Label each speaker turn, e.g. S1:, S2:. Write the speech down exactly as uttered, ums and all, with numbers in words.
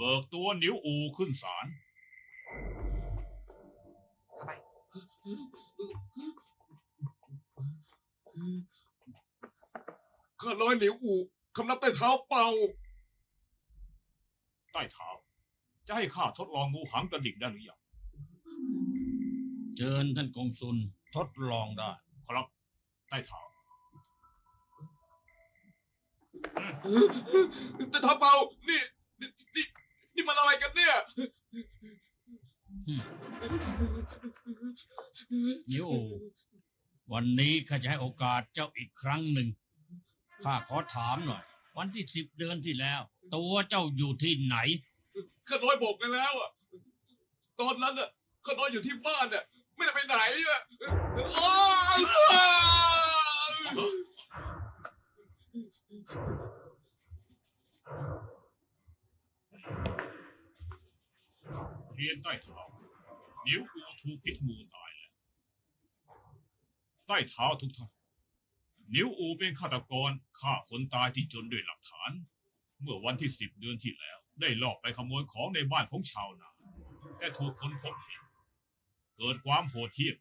S1: บิกตัวหนิวอูขึ้นศาล
S2: เข้าไป
S3: ข้าน้อยหนิวอูคำนับใต้เท้าเป่า
S1: ใต้เท้าจะให้ข้าทดลองงูหางกระดิ่งได้หรือยัง
S4: เชิญท่านกงสุลทดลองได้
S1: ครับใต้เท้า
S3: ใต้เท้าเป่านี่นี่นี่นี่มันอะไรกันเนี่ย
S4: หนิวอูวันนี้ข้าจะให้โอกาสเจ้าอีกครั้งหนึ่งข้าขอถามหน่อยวันที่สิบเดือนที่แล้วตัวเจ้าอยู่ที่ไหน
S3: ข้าน้อยบอกกันแล้วอ่ะตอนนั้นอ่ะข้าน้อยอยู่ที่บ้านอ่ะไม่ได้ไปไหนอ่ะ
S1: เรียนใต้เท้าหนิวอูถูกพิษงูตายแล้วใต้เท้าทุกท่านหนิวอูเป็นฆาตกรฆ่าคนตายที่จนด้วยหลักฐานเมื่อวันที่สิบเดือนที่แล้วได้ลอบไปขโมยของในบ้านของชาวนาแต่ถูกคนพบเห็นเกิดความโหดเหี้ยม